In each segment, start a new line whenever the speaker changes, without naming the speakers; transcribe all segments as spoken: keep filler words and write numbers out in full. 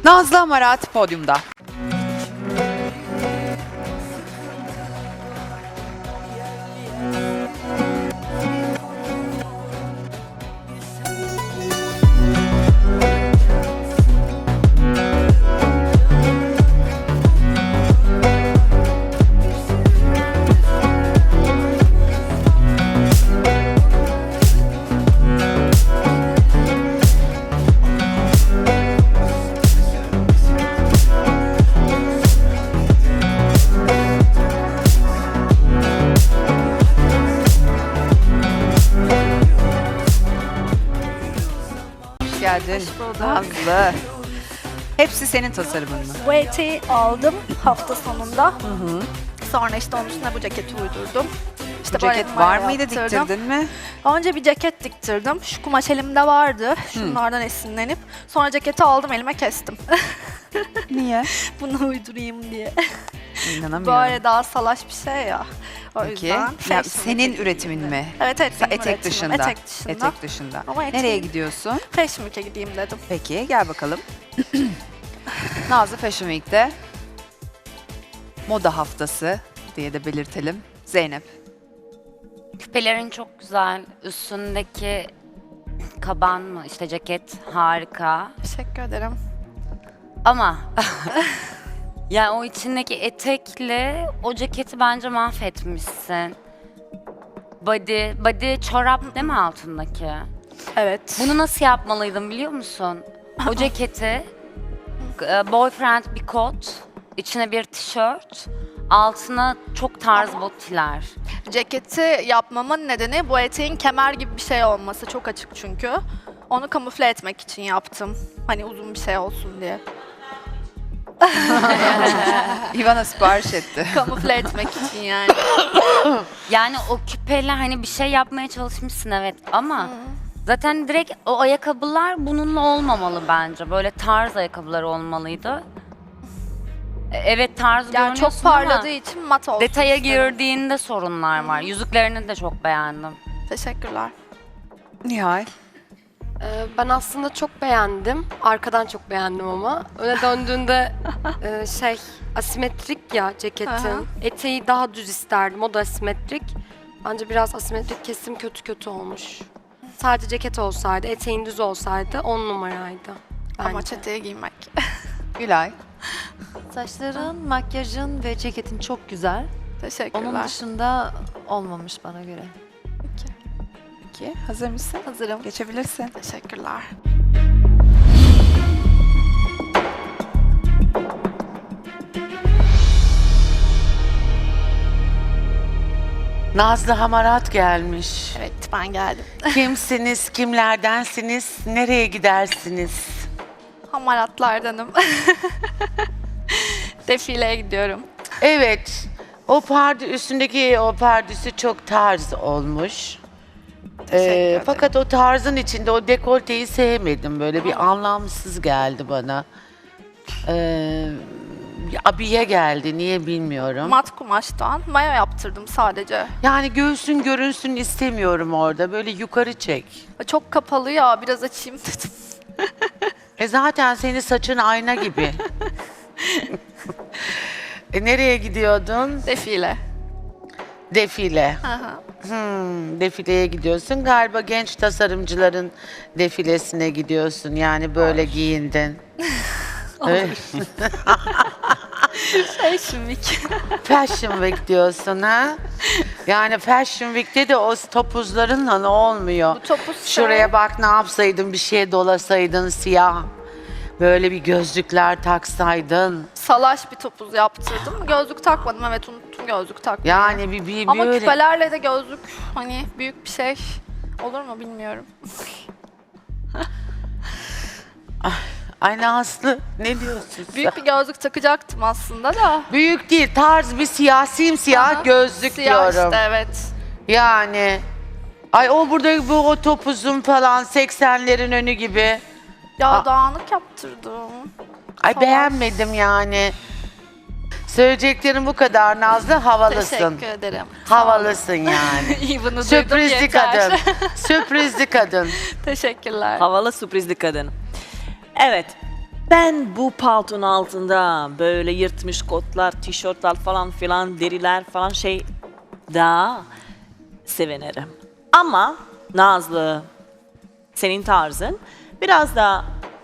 Nazlı Amarat podyumda. Hoş geldin Nazlı. Hepsi senin tasarımın mı?
Bu eteği aldım hafta sonunda. Hı hı. Sonra işte onun üstüne bu ceketi uydurdum. İşte
Bu ceket
böyle
var
numara
mıydı,
yaptırdım.
diktirdin mi?
Önce bir ceket diktirdim. Şu kumaş elimde vardı. Şunlardan esinlenip. Sonra ceketi aldım elime kestim.
Niye?
Bunu uydurayım diye.
İnanamıyorum.
Böyle daha salaş bir şey ya. O
Peki.
yüzden.
Ya,
fashion
senin
week'e
üretimin mi?
Evet evet. benim
Etek
üretimim.
dışında.
Etek dışında.
Etek dışında.
Ama eteğim-
Nereye gidiyorsun?
Fashion Week'e gideyim dedim.
Peki gel bakalım. Nazlı Fashion Week'te moda haftası diye de belirtelim. Zeynep.
Küpelerin çok güzel. Üstündeki kaban mı işte ceket harika.
Teşekkür ederim.
Ama yani o içindeki etekle o ceketi bence mahvetmişsin. Body, body çorap değil mi altındaki?
Evet.
Bunu nasıl yapmalıydım biliyor musun? O ceketi e, boyfriend bir kot, içine bir tişört, altına çok tarz botiler.
Ceketi yapmamın nedeni bu eteğin kemer gibi bir şey olması. Çok açık çünkü. Onu kamufle etmek için yaptım. Hani uzun bir şey olsun diye.
Ivana sipariş etti.
Kamufle etmek için yani.
Yani o küpeyle hani bir şey yapmaya çalışmışsın evet ama zaten direkt o ayakkabılar bununla olmamalı bence. Böyle tarz ayakkabılar olmalıydı. E, Evet tarz
Yani
görünüyorsun
çok parladığı için mat olsun
ama detaya
istedim.
girdiğinde sorunlar var. Yüzüklerini de çok beğendim.
Teşekkürler.
Nihal.
Ee, Ben aslında çok beğendim. Arkadan çok beğendim ama. Öne döndüğünde e, şey asimetrik ya ceketin.
Aha.
Eteği daha düz isterdim. O da asimetrik. Bence biraz asimetrik kesim kötü kötü olmuş. Sadece ceket olsaydı, eteğin düz olsaydı on numaraydı. Bence.
Ama eteği giymek.
Gülay.
Saçların, makyajın ve ceketin çok güzel.
Teşekkürler.
Onun dışında olmamış bana göre.
Peki hazır mısın?
Hazırım.
Geçebilirsin.
Teşekkürler.
Nazlı Hamarat gelmiş.
Evet ben geldim.
Kimsiniz, kimlerdensiniz, nereye gidersiniz?
Hamaratlardanım. Defileye gidiyorum.
Evet, o pardı üstündeki o pardüsü çok tarz olmuş.
Teşekkür
Ee,
ederim.
fakat o tarzın içinde o dekolteyi sevmedim. Böyle bir anlamsız geldi bana. Ee, abiye geldi, niye bilmiyorum.
Mat kumaştan mayo yaptırdım sadece.
Yani göğsün görünsün istemiyorum orada. Böyle yukarı çek.
Çok kapalı ya biraz açayım dedim.
E zaten senin saçın ayna gibi. e nereye gidiyordun?
Defile.
Defile.
Hı hı.
Hmm, defileye gidiyorsun. Galiba genç tasarımcıların defilesine gidiyorsun. Yani böyle giyindin. Öyle-
Fashion Week.
Fashion Week diyorsun ha? Yani Fashion Week'te de o topuzlarınla ne olmuyor?
Bu topuz şey-
Şuraya bak ne yapsaydın, bir şeye dolasaydın siyah. Böyle bir gözlükler taksaydın.
Salaş bir topuz yaptırdım. Gözlük takmadım evet unuttum gözlük takmayı.
Yani bir, bir
Ama
böyle...
küpelerle de gözlük hani büyük bir şey olur mu bilmiyorum.
Ay Nazlı ne diyorsun sen?
Büyük bir gözlük takacaktım aslında da.
Büyük değil, tarz bir siyah, simsiyah
Aha,
gözlük
Siyah
diyorum.
işte evet.
Yani ay o burada bu o topuzun falan seksenlerin önü gibi.
Ya
Aa.
dağınık yaptırdım.
Ay
Salaş.
beğenmedim yani. Söyleyeceklerim bu kadar Nazlı, havalısın.
Teşekkür ederim.
Havalısın yani.
İyi bunu duydum
Sürprizli
yeter.
kadın. Sürprizli kadın.
Teşekkürler.
Havalı sürprizli kadın. Evet. Ben bu paltonun altında böyle yırtmış kotlar, tişörtler falan filan, deriler falan şey daha sevinirim. Ama Nazlı, senin tarzın biraz daha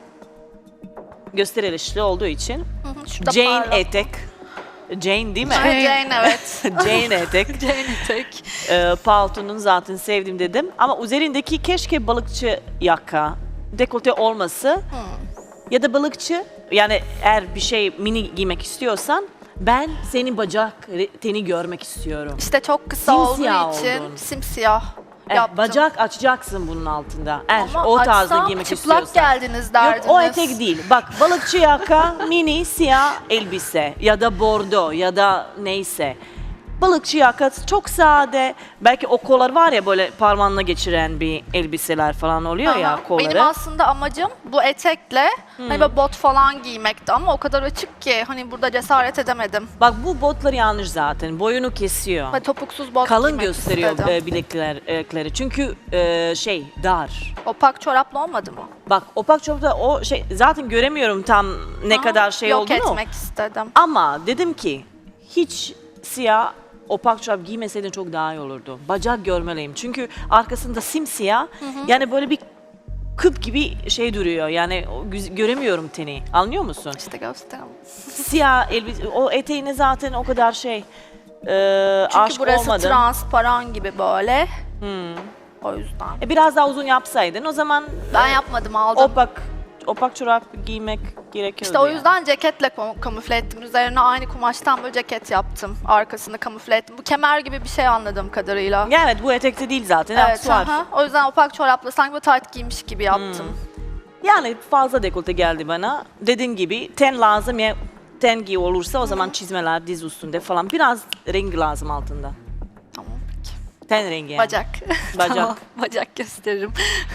gösterişli olduğu için
Hı hı, şurada
Jane
parlak.
etek, Jane değil mi?
Evet, Jane evet.
Jane etek.
Jane etek.
e, paltonun zaten sevdim dedim. Ama üzerindeki keşke balıkçı yaka, dekolte olması ya da balıkçı, yani eğer bir şey mini giymek istiyorsan ben senin bacak teni görmek istiyorum.
İşte çok kısa
Simsiyah
olduğu için
oldun.
simsiyah
Eh,
yaptım.
bacak açacaksın bunun altında. Eğer
Ama
o tarzda
açsam
giymek
çıplak
istiyorsan.
geldiniz derdiniz.
Yok o etek değil. Bak balıkçı yaka, mini siyah elbise ya da bordo ya da neyse. Balıkçı yaka çok sade. Belki o kollar var ya böyle parmağına geçiren bir elbiseler falan oluyor ya
Aha,
kolları.
Benim aslında amacım bu etekle hani böyle bot falan giymekti ama o kadar açık ki hani burada cesaret edemedim.
Bak bu botlar yanlış zaten. Boyunu kesiyor.
Ve topuksuz bot
Kalın
giymek
gösteriyor
istedim.
e, bilekler, bilekleri. Çünkü e, şey dar.
Opak çoraplı olmadı mı?
Bak opak çorapta o şey zaten göremiyorum tam ne
Aha,
kadar şey
yok
olduğunu.
etmek istedim.
Ama dedim ki hiç siyah opak çorap giymeseydin çok daha iyi olurdu. Bacak görmeliyim. Çünkü arkasında simsiyah. Yani böyle bir kıp gibi şey duruyor. Yani o güz- göremiyorum teni. Anlıyor musun?
İşte göstereyim.
Siyah elbise, o eteğine zaten o kadar şey e,
Çünkü
aşık
burası
olmadım.
transparan gibi böyle. O yüzden.
E, biraz daha uzun yapsaydın o zaman
Ben
e,
yapmadım aldım.
opak opak çorap giymek gerekiyordu.
İşte o
yani.
yüzden ceketle kam- kamufle ettim. Üzerine aynı kumaştan böyle ceket yaptım. Arkasını kamufle ettim. Bu kemer gibi bir şey anladığım kadarıyla.
Ya evet bu etekte değil zaten.
Evet,
aksesuar.
aha. O yüzden opak çorapla sanki böyle tight giymiş gibi yaptım.
Yani fazla dekolte geldi bana. Dediğin gibi ten lazım ya ten giy olursa o zaman çizmeler diz üstünde falan. Biraz rengi lazım altında.
Tamam peki.
Ten rengi yani.
Bacak.
Bacak.
Tamam, bacak gösteririm.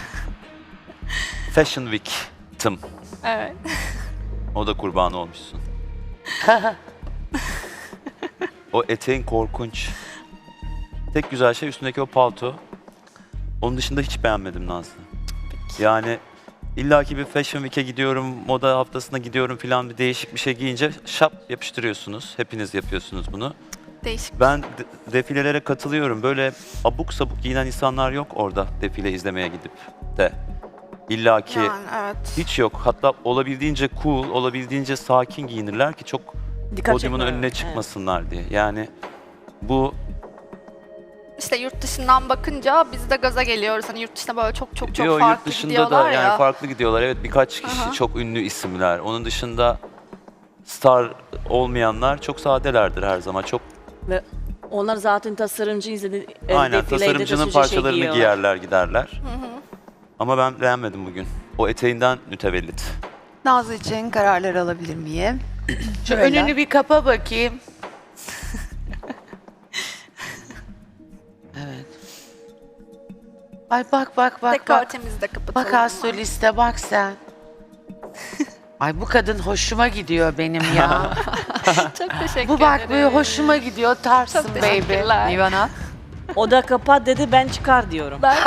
Fashion Week tım.
Evet.
O da kurbanı olmuşsun. O eteğin korkunç. Tek güzel şey üstündeki o palto. Onun dışında hiç beğenmedim Nazlı. Yani illaki bir Fashion Week'e gidiyorum, moda haftasına gidiyorum falan bir değişik bir şey giyince şap yapıştırıyorsunuz. Hepiniz yapıyorsunuz bunu.
Değişik.
Ben de- defilelere katılıyorum. Böyle abuk sabuk giyinen insanlar yok orada defile izlemeye gidip de. İlla ki
Yani evet.
hiç yok. Hatta olabildiğince cool, olabildiğince sakin giyinirler ki çok
Dikkat
podyumun
çekmiyor.
önüne
Evet.
çıkmasınlar diye. Yani bu
İşte yurt dışından bakınca biz de gaza geliyoruz. Hani yurt dışında böyle çok çok çok
diyor
farklı
yurt dışında
gidiyorlar
da
ya.
yani farklı gidiyorlar. Evet birkaç kişi
Aha.
çok ünlü isimler. Onun dışında star olmayanlar çok sadelerdir her zaman. Çok
Ve onlar zaten tasarımcı izledi. e,
aynen
defilede
tasarımcının
taşıcı şey
parçalarını
giyiyorlar.
giyerler giderler. Ama ben beğenmedim bugün. O eteğinden mütevellit.
Nazlı için kararlar alabilir miyim?
Şu
Şöyle.
önünü bir kapa bakayım. Evet. Ay bak bak bak bak.
Dekoltemizi de kapatalım.
Bak astroliste bak sen. Ay bu kadın hoşuma gidiyor benim ya.
Çok teşekkür
Bu bak
ederim.
böyle hoşuma gidiyor. Tarsın
Çok
baby.
teşekkürler.
Ivana.
O da kapat dedi ben çıkar diyorum.
Ben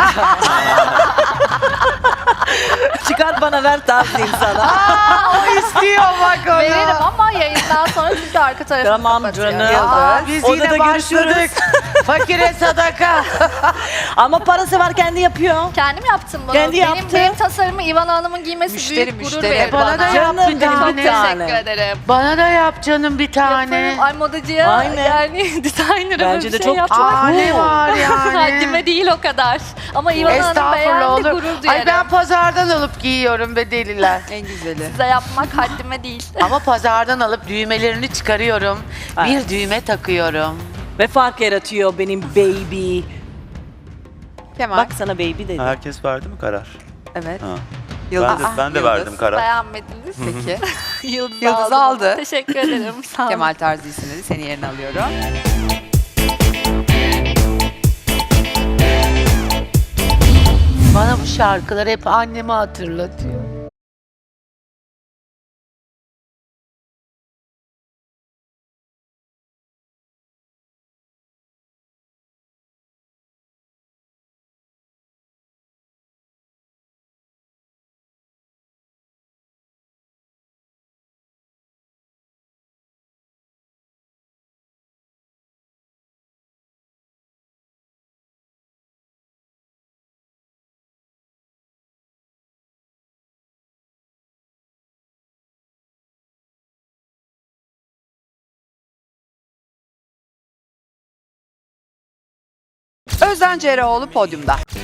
Çıkar bana ver tavsiyeyim sana.
O istiyor bak onu.
veririm ama yayından sonra çünkü arka tarafını
Tamam
kapatıyor.
canım.
Aa, biz
Odada
yine
görüşürüz.
başladık. Fakire sadaka.
Ama parası var kendi yapıyor.
Kendim yaptım bunu.
Kendi
benim,
yaptı.
benim tasarımı İvan Hanım'ın giymesi
Müşteri,
büyük gurur
müşteri.
verir
Bana
bana.
da yap
Canım
bir
benim bir
tane.
tane.
Teşekkür ederim.
Bana da yap canım bir tane.
Yaparım. Ay modacıya
Aynen.
yani designer'a böyle
Bence
bir
de
şey
çok
yapmak
Aa ne var yani?
haddime değil o kadar. Ama İvan Hanım
Estağfurullah
beğendi
olur.
gurur duyarım.
Ay ben pazardan alıp giyiyorum be deliler.
En güzeli.
Size yapmak haddime değil.
Ama pazardan alıp düğmelerini çıkarıyorum.
Evet.
Bir düğme takıyorum.
Ve fark yaratıyor benim baby.
Kemal.
Bak sana baby dedi.
Herkes verdi mi karar?
Evet.
Ha.
Yıldız.
Ben de, ben de
Yıldız.
verdim karar.
Beğenmediniz.
Peki.
Yıldız,
Yıldız
aldım.
aldı.
Teşekkür ederim. Sağ olun.
Kemal Tarzi isimleri seni yerine alıyorum.
Bana bu şarkılar hep annemi hatırlatıyor.
Özden Cereoğlu podyumda.